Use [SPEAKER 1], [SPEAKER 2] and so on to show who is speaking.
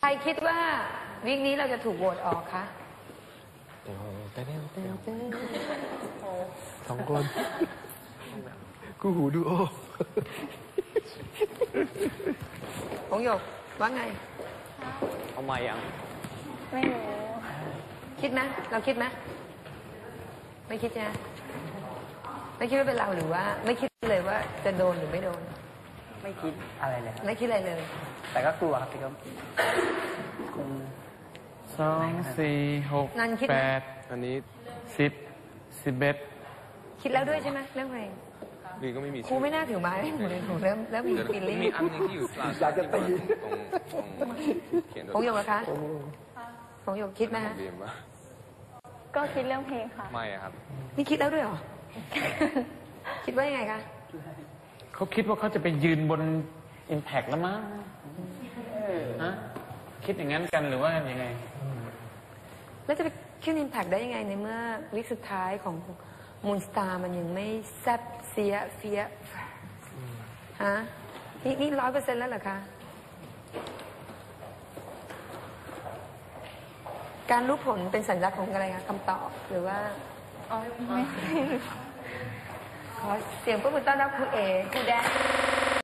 [SPEAKER 1] รคิดว่าวิกนี้เราจะถูกโหวตออกคะ
[SPEAKER 2] สองคนกูหูดูโอ
[SPEAKER 1] ของหยกว่าไง
[SPEAKER 3] เอามายัง
[SPEAKER 4] ไม่รู้
[SPEAKER 1] คิดไหมเราคิดไหมไม่คิดนะไม่คิดว่าเป็นเราหรือว่าไม่คิดเลยว่าจะโดนหรือไม่โดน
[SPEAKER 3] ไม่คิดอะไรเลย
[SPEAKER 1] ไม่คิดอะไรเลย
[SPEAKER 3] แต่ก็กลัวครับพี่ก็
[SPEAKER 2] 2 4 6 8อันนี้10 11
[SPEAKER 1] คิดแล้วด้วยใช่ไหมเรื่องเพลง
[SPEAKER 2] ดีก็ไม่มี
[SPEAKER 1] ครูไม่น่าถือไม้ให้หนูเลยหนูเริ่มมีฟีลลิ่ง
[SPEAKER 2] มีอันนึงที่อยู่อยากจะตี
[SPEAKER 1] ของหยกนะคะของหยกคิดไหมฮะ
[SPEAKER 4] ก็คิดเรื่องเพลงค่ะ
[SPEAKER 2] ไม่ครับ
[SPEAKER 1] นี่คิดแล้วด้วยเหรอ คิดว่ายังไงคะ
[SPEAKER 5] เขาคิดว่าเขาจะไปยืนบนอิมแพกแล้วมั้งฮะคิดอย่างนั้นกันหรือว่ายังไง
[SPEAKER 1] แล้วจะไปขึ้นอิมแพกได้ยังไงในเมื่อวิกสุดท้ายของมูนสตาร์มันยังไม่แซ่บเสียเฟียฮะนี่100%แล้วเหรอคะการรู้ผลเป็นสัญลักษณ์ของอะไรคะคำตอบหรือว่า
[SPEAKER 4] ไม่
[SPEAKER 1] ขอเสียงปรบมือต้อนรับครูเอครูแดน